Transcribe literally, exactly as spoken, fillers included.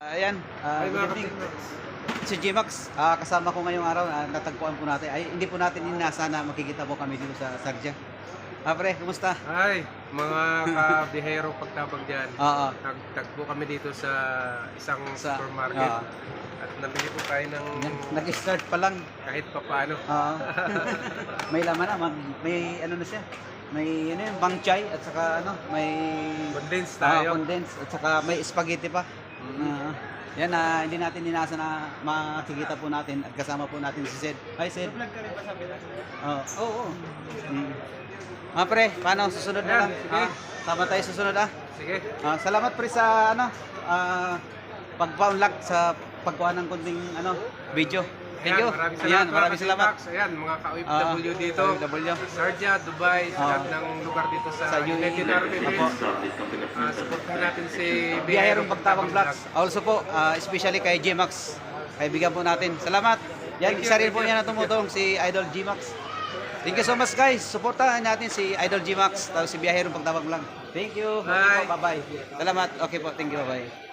Ayan, ah, Ay, good mga evening. kapitbahay. Si G-Max, ah, kasama ko ngayong araw, ah, natagpuan po natin. Ay, hindi po natin inasa na makikita po kami dito sa Sarja. Ah, pre, kumusta? Ay, mga kabihero pagtabag dyan. Oo. Nagtagpo kami dito sa isang Sa- supermarket. oo. At nabili po tayo ng Yan, nag-start pa lang. kahit papaano. Oo. May laman na, mag- may ano na siya. May ano yun, bang chai at saka ano, may Condense ah, tayo. condensed at saka may spaghetti pa. Mhm. Ah, yan na hindi natin inasa na makikita po natin at kasama po natin si Sed. Hi Sed. Vlog ka rin ba sa Pinas? Oo. Oo. Mm. Ah, pre, paano susunod na Ayan, lang? sige. Ah, tama tayo susunod ah. Sige. Ah, salamat pre sa ano, ah, pagpa-unlock sa pagkuha ng kunting ano, video. Thank you. Ayan, maraming salamat. Ayan, mga maraming salamat. kapitbahay. Ayan, mga ka-O F W Ah, dito. O F W. Sarja, Dubai, sa Ah. lahat ng lugar dito sa Sa U A E. United Arab Apo. Emirates. Ah, supportan natin si Biyahirong Pagtabang Vlogs. Also po, ah, especially kay G-Max. Kaibigan po natin. Salamat. Yan, Thank you, isa rin thank po you. niya na tumutulong si Idol G-Max. Thank you so much guys. Suportahan natin si Idol G-Max tapos si Biyahirong Pagtabang Vlog. Thank you. Okay Bye. po, bye-bye. Salamat. Okay po, thank you, bye-bye.